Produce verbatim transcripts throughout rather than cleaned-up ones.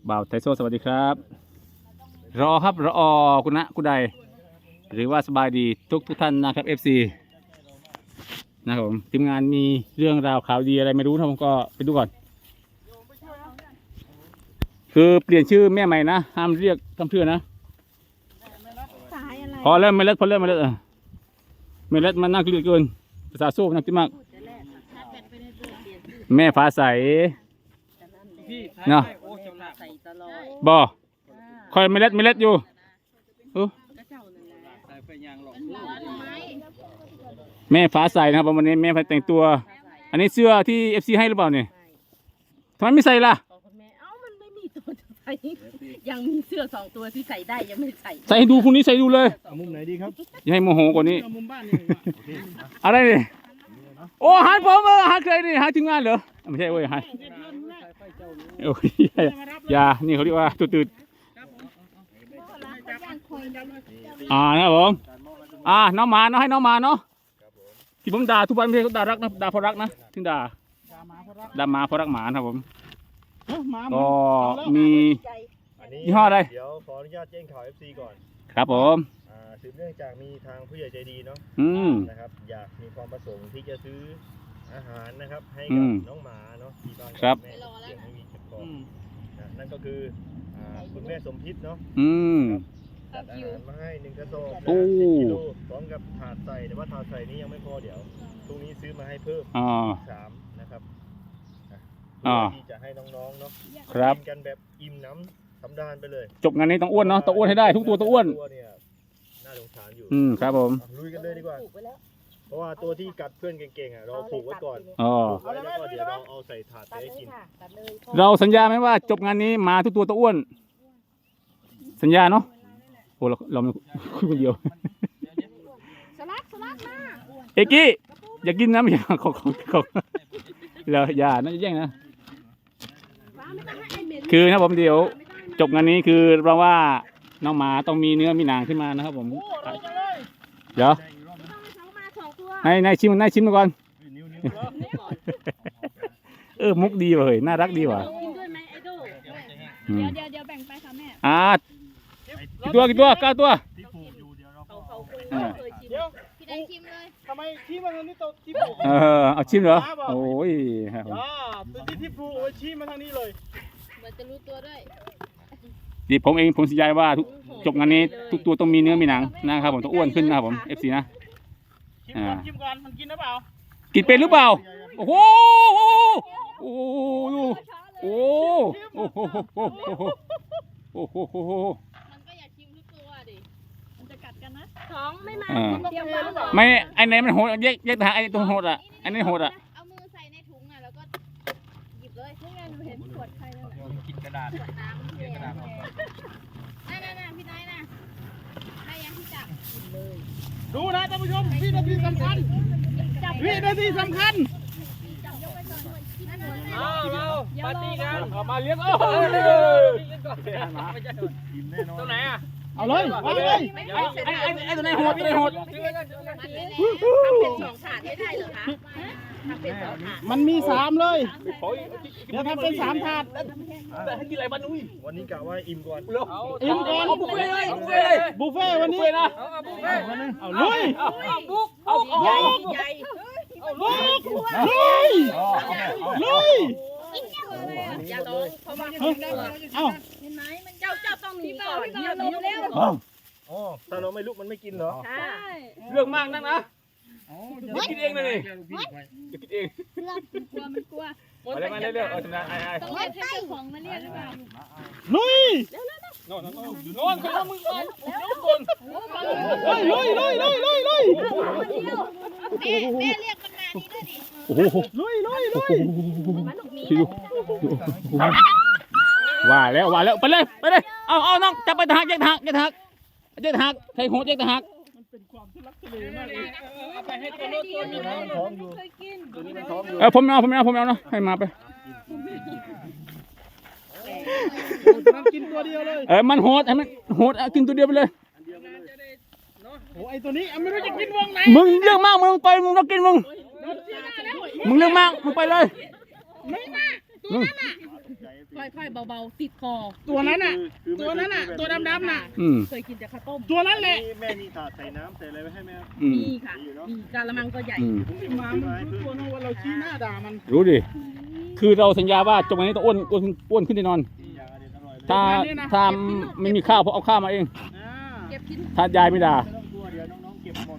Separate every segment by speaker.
Speaker 1: บ่าวไทโซสวัสดีครับรอครับรอคุณนะคุณใดหรือว่าสบายดีทุกทุกท่านนะครับ เอฟ ซี นะครับผมทีมงานมีเรื่องราวข่าวดีอะไรไม่รู้นะผมก็ไปดูก่อนคือเปลี่ยนชื่อแม่ใหม่นะห้ามเรียกคำเพื่อนะพอเริ่มไม่เล็ดพอเริ่มไม่เล็ดเออไม่เล็ดมันน่าเกลียดเกินภาษาโซ่น่ากินมากแม่ฟ้าใสเนาะบ่คอยไม่เล็ดไม่เล็ดอยู่เออแม่ฟ้าใสนะครับวันนี้แม่ฟ้าแต่งตัวอันนี้เสื้อที่ เอฟ ซี ให้หรือเปล่าเนี่ยทำไมไม่ใส่ล่ะ
Speaker 2: เอ้ามันไม่มีตัวจะใส่ยังมีเสื้อสองตัวที่ใส่ได้ยังไม่ใส่
Speaker 1: ใส่ให้ดูพรุ่งนี้ใส่ดูเลย
Speaker 3: เอามุมไหนดีครับ
Speaker 1: อย่าให้โมโหกว่านี้
Speaker 3: เอามุมบ้านนี่
Speaker 1: อะไรเนี่ยโอ้หาผมเออหาใครนี่หาทีมงานเหรอไม่ใช่เว้ยหาโอ้ยอย่านี่เขาเรียกว่าตัวตื่นอ่านะครับผมอ่าน้องมาเนาะให้น้องมาเนาะที่ผมด่าทุกวันไม่ใช่ด่ารักนะด่าเพราะรักนะถึงด่าด่าหมาเพราะรักหมาครับผมก็มียี่ห้ออะไร
Speaker 3: เดี๋ยวขออนุญาตแจ้งข่าว เอฟ ซี ก่อน
Speaker 1: ครับผม
Speaker 3: สืบเนื่องจากมีทางผู้ใหญ่ใจดีเนาะนะครับอยากมีความประสงค์ที่จะซื้ออาหารนะครับให้กับน้องหมาเนาะที่บ้านแม่เลี้ยงไม่มีเจ็บคอนั่นก็คือคุณแม่สมพิษเนาะจัดอาหารมาให้หนึ่งกระสอบสิบกิโลพร้อมกับถาดใส่แต่ว่าถาดใส่นี้ยังไม่พอเดี๋ยวพรุ่งนี้ซื้อมาให้เพิ่มสามนะครับที่จะให้น้องๆเนาะ
Speaker 1: ครับ
Speaker 3: กินกันแบบอิ่มน้ำสำราญไปเลย
Speaker 1: จบงานนี้ต้องอ้วนเนาะต้องอ้วนให้ได้ทุกตัวต้องอ้วน
Speaker 3: ตัวเนี่ยน่าสงสารอยู่
Speaker 1: อืมครับผม
Speaker 3: ลุยกันเลยดีกว่าเพราะว่าตัวที่กัดเพื่อนเก่งๆอ่ะเราผูกไว้ก่อน
Speaker 1: อ๋อ
Speaker 3: แล้วก็เดี๋ยวเราเอาใส่ถาดไปให้กิน
Speaker 1: เราสัญญาไหมว่าจบงานนี้มาทุกตัวต้องอ้วนสัญญาเนาะโอ้เราเราไม่คุยคนเดียว
Speaker 2: สลัดสลัดมา
Speaker 1: เอกกี้อย่ากินนะไม่ใช่ของของของเราอย่านะแย่งนะคือนะผมเดี๋ยวจบงานนี้คือเราว่าน้องหมาต้องมีเนื้อมีหนังขึ้นมานะครับผมเดี๋ยวให้นายชิมนายชิมมาก่อนเออมุกดีเลยน่ารักดีว่ะ
Speaker 2: เดี๋ยวเดี๋ยวเดี๋ยวแบ่งไปค่ะแม่
Speaker 1: อ่ากี่ตัวกี่ตัวเก้าตัว
Speaker 2: พี่ได้ชิมเลย
Speaker 3: ทำไมชี้มาทางนี้ตัวที่ผูก
Speaker 1: เออเอาชิมเหรอโอ้ย
Speaker 3: ครับตัวที่ที่ผูกเอาชี้มาทางนี้เลย
Speaker 2: เหมือนจะรู้ตัวด้วย
Speaker 1: ดิผมเองผมสัญญาว่าทุกจบงานนี้ทุกตัวต้องมีเนื้อมีหนังนะครับผมต้องอ้วนขึ้นนะครับผม เอฟ ซี นะ
Speaker 3: ชิมก่อนชิมก่อนมันกินหรือเปล่า
Speaker 1: กินเป็นหรือเปล่าโอ้โหโอ้โหโอ้โหโอ้โหโอ้โหโอ้โห
Speaker 2: มันก็อยากชิมทุกตัวดิมันจะกัดกันนะท้องไม่มาเตรียมมา
Speaker 1: ไม่ไอ้ไหนมันโหดแยกแยกทางไอ้ตรงโหดอ่ะอันนี้โหดอ่ะ
Speaker 2: เอามือใส่ในถุงอ่ะแล้วก็หยิบเลยนี่ไงหนูเห็นขวดใครแล้ว
Speaker 3: กินกระดาษ
Speaker 2: ขวดน้ำกินกระดาษนั่นนั่นนั่นพี่น้อยนะได้ยังที่จับ
Speaker 3: ดูนะท่านผู้ชมวินาทีสำคัญวินาทีสำคัญ
Speaker 2: เอาเรา
Speaker 3: ปาร์ตี้กัน
Speaker 1: มาเลี้ยงเออ
Speaker 3: ตัวไหนอ่ะ
Speaker 1: เอาเลยเอาเลยไอ้ไอ้ไอ้ตัวไหนโหดตัวไหนโหด
Speaker 2: ทำเป็นสองถาดไม่ได้เหรอคะทำเป็นสองถาด
Speaker 3: มันมีสามเลยเดี๋ยวทำเป็นสามถาด
Speaker 1: แต่ให้กินอะไรบ้างนุ้ย
Speaker 3: วันนี้กะว่าอิ่มก่อน
Speaker 1: อิ่มก่อนบุฟเฟ่เลย
Speaker 3: บุฟเฟ่วันนี้
Speaker 1: นะ
Speaker 3: เอาลุย
Speaker 2: เอาบุกเอาใหญ่ใหญ่
Speaker 3: เอาลุยลุยลุย
Speaker 2: อย่าร้องเพราะว่าเอาเห็นไหมมันเจ้าเจ้าต้องหนีก่อนเดี๋ยวลมเร็ว
Speaker 3: อ๋อถ้าเราไม่ลุกมันไม่กินเหรอ
Speaker 2: ใช่
Speaker 1: เรื่องมากนักนะอย่ากินเองเลยอย่ากินเอง
Speaker 2: มันกลัวมันกลัว
Speaker 1: อะไรมาเรื่อยๆเอาชนะไอ้ไอ้
Speaker 2: ต้องเรียกให้เจ้าของมาเรียกหรือเปล่า
Speaker 3: ลุย
Speaker 1: โน่นโน่นอยู่โน่นคนละมือก่อนคน
Speaker 3: ลุยลุยลุยลุยลุย
Speaker 2: แม่แม่เรียกมันมานี่ด้วยดิ
Speaker 1: โอ้โห
Speaker 3: ลุยลุยลุย
Speaker 1: ว่าแล้วว่าแล้วไปเลยไปเลยเอาเอาน้องจับไปทางแยกทางแยกทางแยกทางใครโหดแยกทาง
Speaker 3: มันเป็นความทุลักทุเลมากเลยเอาไปให้ตัวโน้ตตัวนี้มันท้องอยู่ตัวนี้มันท้องอยู่
Speaker 1: เออผมเอาผมเอาผมเอาเนาะให้มาไป
Speaker 3: มันกินตัวเดียวเลย
Speaker 1: เออมันโหดให้มันโหดกินตัวเดียวไปเลย
Speaker 3: โอ้ไอตัวนี้ไม่รู้จะกินวงไหน
Speaker 1: มึงเรื่องมากมึงไปมึงต้องกินมึงมึงเรื่องมากมึงไปเลย
Speaker 2: ไม่มาตัวนั้นอ่ะค่อยๆเบาๆติดคอ
Speaker 4: ตัวนั้นน่ะ
Speaker 3: คือ
Speaker 4: ตัวนั้นน่ะ ตัวดำๆน่ะ
Speaker 1: อืม
Speaker 2: เคยกินแต่ข้าวต้ม
Speaker 4: ตัวนั้นแหละ
Speaker 3: แม่มีถาดใส่น้ำใส่อะไรไว้ให้ไหมครับ
Speaker 1: อืม
Speaker 2: มีค่ะมีกะละมังก็ใหญ่
Speaker 1: อืม
Speaker 4: หมามันรู้ตัวนะว่าเราชี้หน้าด่ามัน
Speaker 1: รู้ดิคือเราสัญญาว่าจงวันนี้ต้องอ้วนอ้วนอ้วนขึ้นแน่นอน
Speaker 3: อย่างอเด็ดอร่อยเลย
Speaker 1: ถ้าถ้าไม่มีข้าวเพราะเอาข้าวมาเอง
Speaker 4: อ่า
Speaker 2: เก็บกิน
Speaker 1: ถ้ายายไม่ด่า
Speaker 3: ไม่ต้องกลัวเดี๋ยวน้องๆเก็บหมด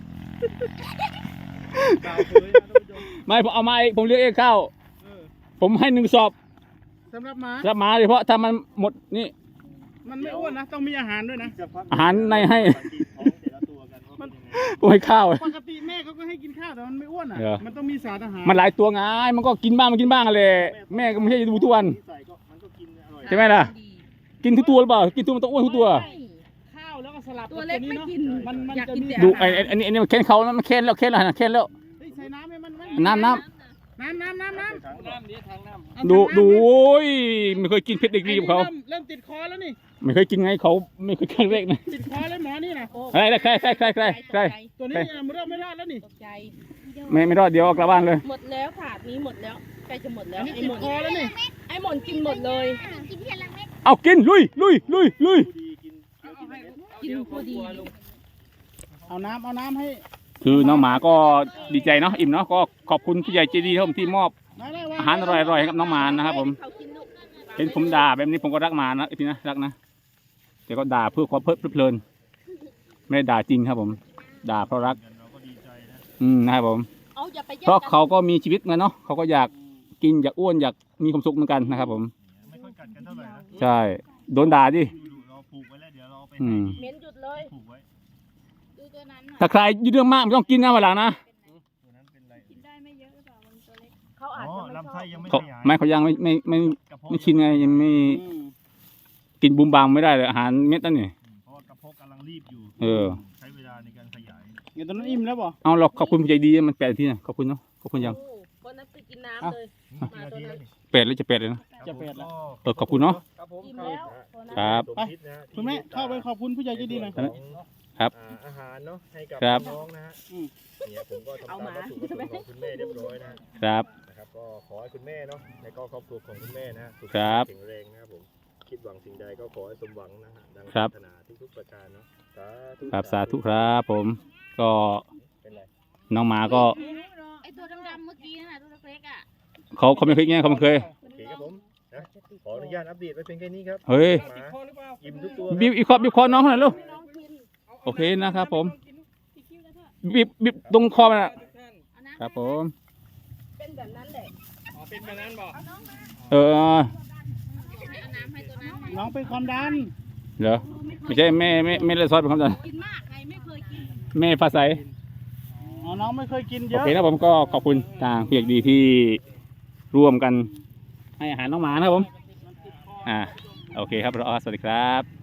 Speaker 3: กล่าวเลยนะท่านผู้ชม
Speaker 1: ไม่ผมเอามาเองผมเลี้ยงเองข้าว
Speaker 4: เออ
Speaker 1: ผมให้หนึ่งสอบ
Speaker 4: สำหรับหมา
Speaker 1: รับมาเลยเพราะถ้ามันหมดนี่
Speaker 4: มันไม่อ้วนนะ ต้องมีอาหารด้วยนะ
Speaker 3: จะพัก
Speaker 1: อาหารในให้
Speaker 3: ท้องแต่ละตัวกันว่าเป็นยังไง
Speaker 1: ผมให้ข้าว
Speaker 4: ปกติแม่เขาก็ให้กินข้าวแต่มันไม่อ้วนอ่ะ
Speaker 1: เหรอ
Speaker 4: มันต้องมีสารอาหาร
Speaker 1: มันหลายตัวไงมันก็กินบ้างมันกินบ้างอะไรแม่ก็ไม่ใช่จะดูทุกวัน
Speaker 3: ใส่ก็มันก็กินอร่อย
Speaker 1: ใช่ไหมล่ะ กินทุกตัวหรือเปล่ากินทุกมันต้องอ้วนทุกตัว
Speaker 4: ข้าวแล้วก็สลับ
Speaker 2: ตัวเล็กไม่กิน
Speaker 4: มันมัน
Speaker 2: อยาก
Speaker 4: จะ
Speaker 2: กิน
Speaker 4: มี
Speaker 2: แต่
Speaker 1: ดูไอ้ไอ้อันนี้อันนี้มันแค้นเขาแล้วมันแค้นแล้วแค้นแล้วนะแค้นแล้ว
Speaker 4: เฮ้ยใส่น้ำให้มันไหม
Speaker 1: น้ำน้
Speaker 4: น้ำน้ำน้ำน้
Speaker 3: ถังน้ำนี้ถังน้ำ
Speaker 4: ำ
Speaker 1: ำดูดูโอ้ยไม่เคยกินเผ็ดเด็กดีกับเขา
Speaker 4: ไอ้นี่เริ่มเริ่มติดคอแล้วนี่
Speaker 1: ไม่เคยกินไงเขาไม่เคยครั้งแรกนะ
Speaker 4: ติดคอแล้วหมอนี่นะ
Speaker 1: อะไรอะไรใครใครใครใครใคร
Speaker 4: ตัวนี้เนี่ยมันเริ่มไม่รอดแล้วนี่
Speaker 2: ตกใจ
Speaker 1: ไม่ไม่รอดเดี๋ยวเอากลับบ้านเลย
Speaker 2: หมดแล้วถาดนี้หมดแล้วใกล้จะหมดแล้ว
Speaker 4: อันนี้
Speaker 2: ไอ้
Speaker 4: ติ
Speaker 2: ห
Speaker 4: ด
Speaker 2: มด
Speaker 4: คอแล้วนี่
Speaker 2: ไอ้หมดกินหมดเลย
Speaker 1: เอากินลุยลุยลุยลุย
Speaker 3: ดีกินเดี๋ยวกินอะไร
Speaker 2: กินพอดี
Speaker 4: เอาน้ำเอาน้ำให้
Speaker 1: คือน้องหมาก็ดีใจเนาะอิ่มเนาะก็ขอบคุณผู้ใหญ่ใจดีครับผมที่มอบ
Speaker 4: ได้ได้วง
Speaker 1: อาหารอร่อยๆให้กับน้องหมานะครับผม
Speaker 2: เขากินลูก
Speaker 1: เห็นผมด่าแบบนี้ผมก็รักหมานะพี่นะรักนะแต่ก็ด่าเพื่อความเพลิดเพลินไม่ได้ด่าจริงครับผม ด่าเพราะรัก
Speaker 3: เราก็ดีใจนะ
Speaker 1: อืมนะครับผม
Speaker 2: เอาอย่าไปแย่ง
Speaker 1: เพราะ
Speaker 2: กัน
Speaker 1: เขาก็มีชีวิตเหมือนเนาะเขาก็อยากกินอยากอ้วนอยากมีความสุขเหมือนกันนะครับผม
Speaker 3: ไม่ค่อยกัดกันเท่าไหร่นะ
Speaker 1: ใช่โดนด่าดิ
Speaker 3: ดูดูเราผูกไว้แล้วเดี๋ยวเราเอาไป
Speaker 1: อื
Speaker 3: ให้
Speaker 1: ม
Speaker 2: เหม็นหยุดเลย
Speaker 3: ผูกไว้
Speaker 2: ดูตัวนั้นน่ะ
Speaker 1: ถ้าใครยืดเรื่องมากไม่ต้องกินนะวันหลังนะ
Speaker 3: ตัวนั้นเป็นไร
Speaker 2: กินได้ไม่เยอะหรือเปล่ามันตัวเล็กเขาอาจ
Speaker 3: อ๋อ
Speaker 2: จะไม่ช
Speaker 3: ลำ
Speaker 2: อ
Speaker 3: ไส้
Speaker 2: บ
Speaker 3: ยังไม่
Speaker 1: เขา
Speaker 3: ขยาย
Speaker 1: ไม่เขายังไม่ไม่ไม่
Speaker 3: กระเพาะ
Speaker 1: ไม่ชินไงยังไม่
Speaker 4: อืม
Speaker 1: กินบูมบามไม่ได้เลยอาหารเม็ดนั่นนี่
Speaker 3: เพราะว่ากระเพาะกำลังรีบอยู่
Speaker 1: เออ
Speaker 3: ใช้เวลาในการขยาย
Speaker 4: เดี๋ยวตอนนั้นอิ่มแล้วบ่
Speaker 1: เอาเราขอบคุณผู้ใจดีมันแปดที่นะขอบคุณเนาะขอบคุณยัง
Speaker 2: โอ้วันนั้นไปกินน้ำเลย
Speaker 3: กี่นาทีแล้วนี่
Speaker 1: แปดแล้วจะแปดเลยนะ
Speaker 4: จะเป็ดละ
Speaker 1: เออขอบคุณเนาะ
Speaker 3: ครับผม
Speaker 2: กินแล้วตัวนั้น
Speaker 1: ครับ
Speaker 3: สมคิดนะฮะ
Speaker 4: คุณแม่เข้าไปขอบคุณผู้ใหญ่ใจดีหน่อย
Speaker 3: ของ
Speaker 1: ครับ
Speaker 3: อ่าอาหารเนาะให้กับ
Speaker 1: ครับ
Speaker 3: น้องๆนะฮะ
Speaker 4: อืม
Speaker 3: เนี่ยผมก็ทำตามวัตถุประสงค์ของคุณแม่เรียบร้อยนะฮะ
Speaker 1: ครับ
Speaker 3: นะครับก็ขอให้คุณแม่เนาะและก็ครอบครัวของคุณแม่นะฮะสุข
Speaker 1: ครั
Speaker 3: ภาพ
Speaker 1: บ
Speaker 3: แข็งแรงนะครับผมคิดหวังสิ่งใดก็ขอให้สมหวังนะฮะดัง
Speaker 1: ครั
Speaker 3: ปรา
Speaker 1: บ
Speaker 3: รถนาทุกๆประการเนาะสาธุ
Speaker 1: ครับสาธุครับผมก็
Speaker 3: เป็นไร
Speaker 1: น้องหมาก็
Speaker 2: ไอตัวดำๆเมื่อกี้น่ะตัวเล็กๆอ่ะ
Speaker 1: เขาเขาไม่เคยไงเขาไม่เคย
Speaker 3: โอเคครับผมนะขออนุญาตอัปเดตไว้เพียงแค่นี้ครับ
Speaker 1: เฮ้ย
Speaker 3: หมา
Speaker 4: คอหรือเปล่า
Speaker 3: อิ่มทุกตัว
Speaker 1: บีบอีกคอบีบคอน้องหน่อยลูก
Speaker 2: ให้น้องกิน
Speaker 1: โอเคนะครับผม
Speaker 2: อีกคิ้วแล้วเถอะ
Speaker 1: บีบบีบตรงคอมันนะ
Speaker 2: เอาน้ำ
Speaker 1: ครับผม
Speaker 2: เป็นแบบนั้นแหละ
Speaker 4: อ๋อเป็นแบบนั้นบ่
Speaker 1: เออ
Speaker 2: เอาน้ำให้ตัวนั้น
Speaker 4: น้องเป็นความดัน
Speaker 1: เหรอไม่ใช่แม่แม่แม่เลยซอยเป็นคำสั่ง
Speaker 2: กินมากใครไม่เคยกิน
Speaker 1: แม่ภาษา
Speaker 4: อ๋อน้องไม่เคยกินเย
Speaker 1: โอ
Speaker 4: อะ
Speaker 1: เคนะผมก็ขอบคุณทางเพียกดีที่ร่วมกันให้อาหารน้องหมานะครับผมอ่าโอเคครับรอสวัสดีครับ